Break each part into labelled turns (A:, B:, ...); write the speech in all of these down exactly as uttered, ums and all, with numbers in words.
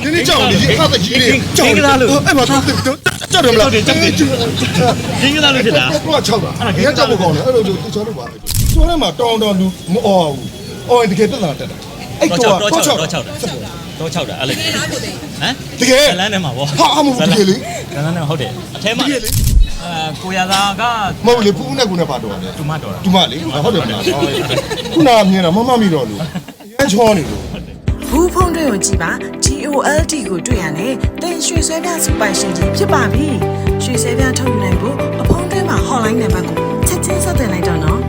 A: နည်းနည်းကြောက်နေဟာတကြီးလေးကြောက်လာလို့အဲ့မှာတော့ကြောက်တယ်မလားကြောက်တယ်ကျင်းကလာလို့ဖြစ်တာတော့ချောက်တာအဲ့ဒါကြောက်ဖို့ကောင်းတယ်အဲ့လိုသူချောက်လို့ပါပဲကျော်ထဲမှာတောင်းတောင်းလူမအော်ဘူးအော်တကယ်ပြဿနာတက်တာအဲ့တော့တော့ချောက်တော့ချောက်တာတော့ချောက်တာအဲ့လေဟမ်တကယ်လမ်းထဲမှာဗောဟာအမှုတကယ်လေလမ်းထဲမှာဟုတ်တယ်အထဲမှာအာကိုရသာကမဟုတ်လေဖူးနဲ့ကူနဲ့ပါတော့တယ်တူမတော်တာတူမလေဟုတ်တယ်မလားခုနကမြင်တာမမမိတော့လို့ရမ်းချောနေလို့
B: ဘူးဖုန်းတွေကိုကြည့်ပါ G O L D ကိုတွေ့ရတယ်တင်ရွှေဆွဲပြစူပိုင်ရှင်ကြီးဖြစ်ပါပြီရွှေဆွဲပြထုတ်ယူနိုင်ဖို့အဖုန်းထဲမှာ hotline နံပါတ်ကိုချက်ချင်းဆက်သွယ်လိုက်တော့နော်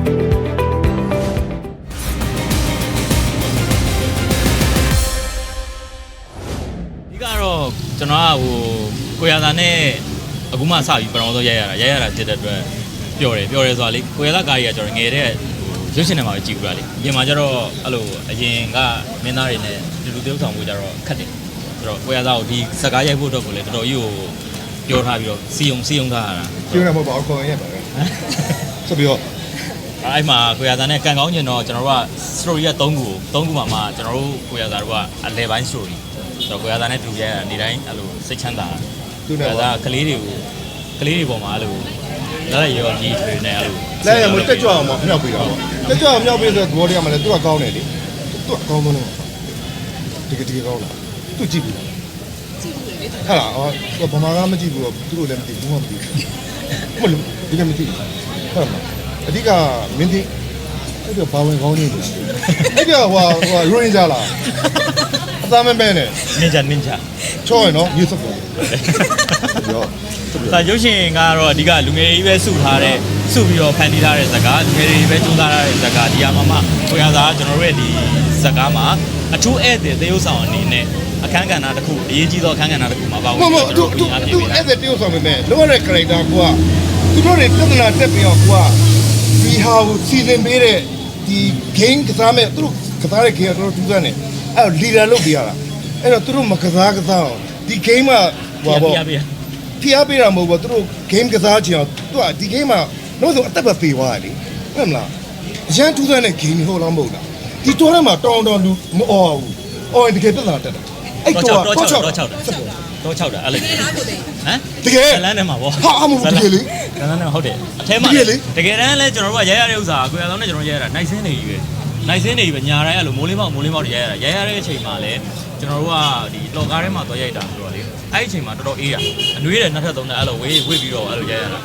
C: ဒီကတော့ကျွန်တော်ကဟိုကိုရသာနဲ့အခုမှစပြီးပထမဆုံးရိုက်ရတာရိုက်ရတာဖြစ်တဲ့အတွက်ပျော်တယ်ပျော်တယ်ဆိုတာလေကိုရသာကားကြီးကကျွန်တော်ငယ်တဲ့ရုပ်ရှင်ထဲမှာပဲကြည့်ဘူးလားလေအရင်မှာကျတော့အဲ့လိုအရင်ကမင်းသားတွေနဲ့လူလူtiêuဆောင်မှုကြတော့ခက်တယ်ဆိုတော့ကိုရသာကိုဒီစကားရိုက်ဖို့အတွက်ကိုလည်းတော်တော်ကြီးကိုပြောထားပြီးတော့စီယုံစီယုံထားရတာ
A: ပြောရမှာပေါ့ခေါ်ရပါပဲဆိုပြီးတော့
C: အဲ့မှာကိုရသာနဲ့ကန်ကောင်းကျင်တော့ကျွန်တော်တို့က story က၃ခု၃ခုမှာမှကျွန်တော်တို့ကိုရသာတို့ကအလဲပိုင်း story ဆိုတော့ကိုရသာနဲ့တူရဲနေတိုင်းအဲ့လိုစိတ်ချမ်းသာကိုရသာကလေးတွေကိုကလေးတွေပေါ်မှာအဲ့လိုလည်းရောကြီးတွေနဲ့အဲ့လို
A: လည်းရမတက်ကြွအောင်မြောက်ပြီးတော့တက်ကြွအောင်မြောက်ပြီးဆိုတော့သဘောတရားမှလည်းသူကကောင်းတယ်လေသူကကောင်းတော့တကယ်တကယ်ကောင်းလားသူကြည့်ပြီကြည့်ဘူးလေဟာလားအော်ဗမာကမကြည့်ဘူးတော့သူတို့လည်းမသိဘူးမှမသိဘူးမလို့ဒီကမသိဘူးဟုတ်လားအဓိကမင်းသိအဲ့တော့ဘာဝင်ကောင်းနေလို့အဲ့တော့ဟိုဟိုရိုရင်းကြလားအသားမပဲနဲ့
C: နင်ဂျာနင်ဂျာ
A: ချောရနော်မြေစပ်ပေါ်ရော
C: ဒါရုပ်ရှင်ကတော့အဓိကလူငယ်တွေပဲစုထားတဲ့စုပြီးတော့ဖန်တီးထားတဲ့ဇာတ်ကားလူငယ်တွေပဲစူးစမ်းထားတဲ့ဇာတ်ကားဒီအမှာမှကိုရသာကျွန်တော်တို့ရဲ့ဒီဇာတ်ကားမှာအထူးဧည့်သည်သေယုတ်ဆောင်အနေနဲ့အခန်းကဏ္ဍတစ်ခုအရေးကြီးသောအခန်းကဏ္ဍတစ်ခုမှာပါဝင်
A: ပြီးတော့သူသူသူဧည့်သည်သေယုတ်ဆောင်နေတယ်လောရတဲ့ character ကိုကသူတို့တွေပြဿနာတက်ပြီးတော့ကိုကဒီဟာကိုစီစဉ်ပေးတဲ့ဒီ game ကစားမဲ့သူတို့ကစားတဲ့ game ကတော်တော်ထူးဆန်းတယ်အဲ့တော့ leader လုပ်ပြရတာအဲ့တော့သူတို့မကစားကစားအောင်ဒီ game မှာဟိုပေါ့ဖိအားပေးတာမဟုတ်ဘူးသူတို့ game ကစားချင်အောင်သူကဒီ game မှာတော့ဆိုအသက်ပဲပေးသွားတယ်လေဟုတ်မလားအရန်ထူးဆန်းတဲ့ game ဟုတ်လားမဟုတ်လားဒီတော်ထဲမှာတောင်းတောင်းလူမအော်ဘူးအော်တကယ်ပြဿနာတက်တာ
C: အဲ့တော့တော့ချောက်တော့ချောက်တာတော့ချောက်တာအဲ့လေဟမ်
A: တကယ်
C: လမ်းထဲမှာဗော
A: ဟာအမှုတကယ်လေ
C: လမ်းထဲမှာဟုတ်တယ်အထဲမှာတကယ်တမ်းလဲကျွန်တော်တို့ကရိုက်ရတဲ့ဥစ္စာကိုရအောင်နဲ့ကျွန်တော်ရိုက်ရတာနိုင်စင်းနေကြီးပဲနိုင်စင်းနေကြီးပဲညာတိုင်းအဲ့လိုမိုးလေးပေါက်မိုးလေးပေါက်တွေရိုက်ရတာရိုက်ရတဲ့အချိန်မှာလဲကျွန်တော်တို့ကဒီလော်ကားထဲမှာသွားရိုက်တာဆိုတော့လေအဲ့ဒီအချိန်မှာတော်တော်အေးရအနှွေးတယ်နှစ်ထပ်သုံးထပ်အဲ့လိုဝေးဝေးပြီးတော့အဲ့လိုရိုက်ရတာ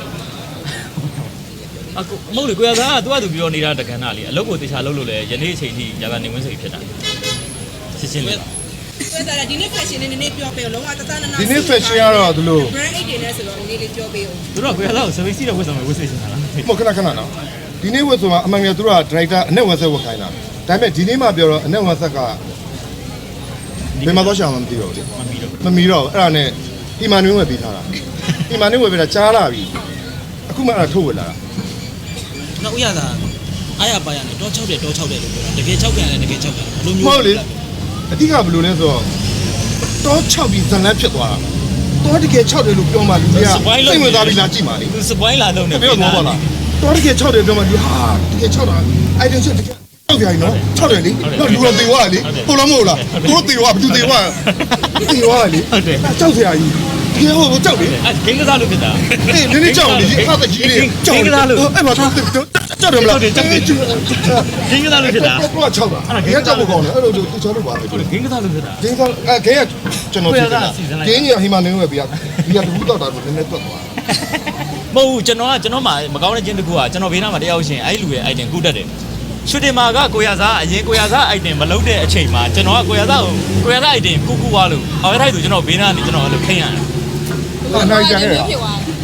C: အခုမဟုတ်လေကိုရသားကသူကသူပြောနေတာတက္ကနာလေးအလုပ်ကိုတေချာလုပ်လို့လဲယနေ့အချိန်ထိညာကနေဝင်းစိတ်ဖြစ်တာရှင်းရှင်းလေး
D: ဆိုတော့ဒီနေ့ fashion နဲ့နည်းနည်းပြောပေးအောင်လုံးဝတသနာနာ
A: ဒီနေ့ fashion ကတော့ဒီလို
D: brand eight တွေနဲ့ဆိုတော့နည်းနည်းလေးပြောပေးအောင်
C: သူတို့ကိုရသားကို service တော့ဝတ်ဆောင်ဝတ်စေချင်တာလား
A: မဟုတ်ခဏခဏနော်ဒီနေ့ဝတ်ဆိုတာအမှန်ကသူတို့က director အနဲ့ဝတ်ဆက်ဝတ်ခိုင်းတာဒါပေမဲ့ဒီနေ့မှပြောတော့အနဲ့ဝတ်ဆက်ကဘယ်မှာတော့ရှာမှမသိတော့ဘူးလေမမီတော့အဲ့ဒါနဲ့ဟီမန်နွေးဝယ်ပေးထားတာဟီမန်နွေးဝယ်ပေးတာကြားလာပြီအခုမှအဲ့ဒါထုတ်ဝယ်လာတာ
E: နောက်ဥရသာအားရပါရနဲ့တောချောက်တယ်တောချောက်တယ်လို့ပြောတာတကယ်ချောက်ပြန်တယ်တကယ်ချောက်တယ်
A: ဘယ်လိုမျိုးဟုတ်လေအဓိကဘယ်လိုလဲဆိုတော့တောချောက်ပြီးဇန်လန်းဖြစ်သွားတာတောတကယ်ချောက်တယ်လို့ပြောမှလူတွေကစိတ်ဝင်စားပြီးလာကြည့်ပါလေ
C: စပွိုင်းလာလုံးနေ
A: ပြောတော့ပါလားတောတကယ်ချောက်တယ်ပြောမှလူဟာတကယ်ချောက်တာအိုင်ဒန်ချက်တကယ်ချောက်ကြရင်နော်ချောက်တယ်လေတော့လူတော့တေသွားလေဟုတ်လားမဟုတ်လားတို့တေသွားဘယ်သူတေသွားတေသွားလေ
C: ဟုတ်တယ်
A: ချောက်စရာကြီးဒီဟိုကြောက်လေ
C: အဲဂိမ်းကစားလို့ဖြစ်တာ
A: အေးနည်းနည်းကြောက်လေဟာတကြီးလေး
C: ကြောက်ကစားလို့
A: အဲ့မှာတော့ကြောက်တယ်မလား
C: ကြောက်တယ်ဂိမ်းကစားလို့ဖြစ်တာ
A: ကိုကချောက်တာအဲ့ဒါကြောက်ဖို့ကောင်းတယ်အဲ့လိုသူချောက်လို့ပါပဲ
C: ဂိမ်းကစားလို့ဖြစ်တာ
A: ဂိမ်းကအဲဂိမ်းကကျွန်တော်ဖြစ်တာဂိမ်းကြီးဟိမန်နေဝယ်ပြီးဒီကတူတော့တာကိုနည်းနည်းတွက်သွား
C: မဟုတ်ဘူးကျွန်တော်ကကျွန်တော်မှမကောင်းတဲ့ချင်းတစ်ခုကကျွန်တော်ဘေးနားမှာတယောက်ရှင်အဲ့လူရဲ့ item ကူးတတ်တယ်ရှူတင်မာကကိုရစားအရင်ကိုရစား item မလုပ်တဲ့အချိန်မှာကျွန်တော်ကကိုရစားကိုကိုရစား item ကူးကူးသွားလို့အော်အဲ့ဒါဆိုကျွန်တော်ဘေးနားနေကျွန်တော်အဲ့လိုခိမ့်ရတယ်
A: ဟာနိုင်ကြရဲ့ဟမ်ဘ
D: လို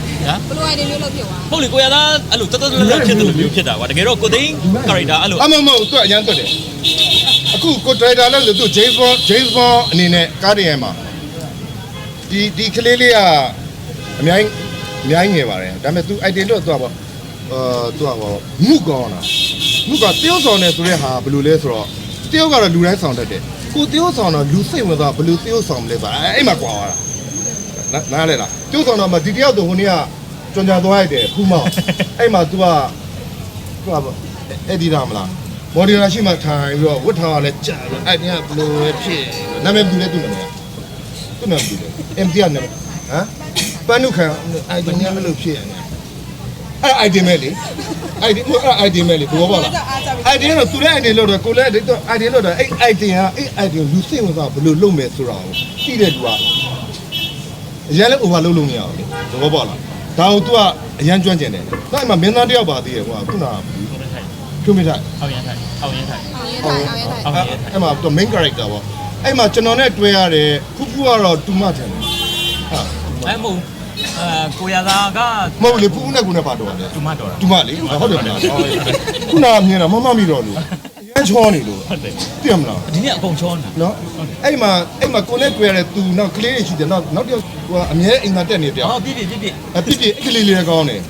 D: item မျိုးလုပ်ဖြစ်သွား
C: ဟုတ်လေကိုရသားအဲ့လိုတတ်တတ်တတ်ဖြစ်တယ်လို့မျိုးဖြစ်တာကွာတကယ်တော့ကိုသိန်း character အဲ့လို
A: အမမဟုတ်သူအရန်တွက်တယ်အခုကို director လဲဆိုသူ James Bond James Bond အနေနဲ့ကားတင်ရမှာဒီဒီကလေးလေးကအများကြီးအများကြီးငယ်ပါတယ်ဒါပေမဲ့ तू item တော့သူကပေါ့အာသူကပေါ့မုကောင်းတာမုကတယောက်ဆောင်နေဆိုတဲ့ဟာဘယ်လိုလဲဆိုတော့တယောက်ကတော့လူတိုင်းဆောင်တတ်တယ်ကိုတယောက်ဆောင်တော့လူစိတ်ဝင်စားဘယ်လိုတယောက်ဆောင်မလဲဆိုတာအဲ့မှာကွာသွားတာနားလဲလားတယောက်ဆောင်တော့မှဒီတယောက်တော့ဟိုနေ့ကကြွန်ကြသွားလိုက်တယ်ဖူးမောင်အဲ့မှာ तू ကသူကပေါ့အဲ့ဒီလားမလားမော်ဒီလာရှိမှထိုင်ပြီးတော့ဝတ်ထားရလဲကြာတယ်အဲ့ဒီကဘယ်လိုပဲဖြစ်နာမည်ဘူးလဲသူ့နာမည်သူ့နာမည်လေ M T ကနာမည်ဟမ်ပန်းနုခံအိုက်ဒီနဲ့မလို့ဖြစ်ရတယ်အဲ့ item ပဲလေ item အဲ့ item ပဲလေဘောပါလား item တော့သူလည်း item လို့တော့ကိုလည်း item လို့တော့အဲ့ item ဟာအဲ့ item လူစိတ်ဝင်စားဘယ်လိုလုပ်မယ်ဆိုတာကိုသိတဲ့သူကအရင်လည်း over လုပ်လို့မရဘူးလေဘောပါလားဒါကို तू ကအရန်ကျွမ်းကျင်တယ်ဒါမှမင်းသားတယောက်ပါသေးတယ်ကွာခုနကဖြိုးမိထိုင်
C: အောက်ရန်ထိုင်အောက်ရန်ထိုင်
D: အောင်ရဲထိုင်အောင်ရဲထိုင်
A: အဲ့မှာ तू main character ပေါ့အဲ့မှာကျွန်တော်နဲ့တွေ့ရတယ်ဖူးဖူးကတော့ तू မှထင်တယ်ဟာ
C: အဲ့မဟုတ်အဲကိုရသားက
A: မဟုတ်လေဖူးဖူးနဲ့ကိုနဲ့ပါတော့တယ်
C: တူမတော်တာ
A: တူမလေးဟုတ်တယ်မလားခုနကမြင်တာမမမိတော့လို့ရမ်းချောနေလို့
C: ဟုတ်တယ်
A: သိရမလား
C: ဒီနေ့အကုန်ချောနေတာ
A: နော်အဲ့မှာအဲ့မှာကိုနဲ့တွေ့ရတဲ့သူနောက်ကလေးတွေရှိတယ်နောက်နောက်တစ်ယောက်ဟိုအမြဲအိမ်သာတက်နေတယ်
C: ဟောပြည့်ပြည့်ပြည့်ပြည့်
A: အပြစ်ပြစ်ကလေးလေးလည်းကောင်းတယ်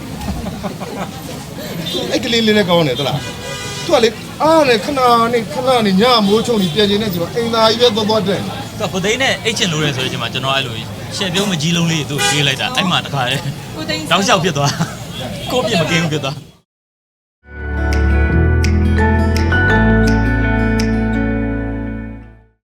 A: အဲ့ကလေးလေးလည်းကောင်းတယ်သလားသူကလေအားနဲ့ခဏနဲ့ခဏနဲ့ညမိုးချုံနေပြန်ကျင်နေကြပါအိမ်သာကြီးပဲသွားသွားတက်
C: သူကကိုသိန်းနဲ့အိတ်ချင်လို့ရဲဆိုတဲ့အချိန်မှာကျွန်တော်အဲ့လိုရှယ်ပြုံးမကြီးလုံးလေးသူ့ရွေးလိုက်တာအဲ့မှာတခါလေ
D: ကိုသိန်း
C: တောက်လျှောက်ဖြစ်သွားကိုပြစ်မကင်းဘူးဖြစ်သွား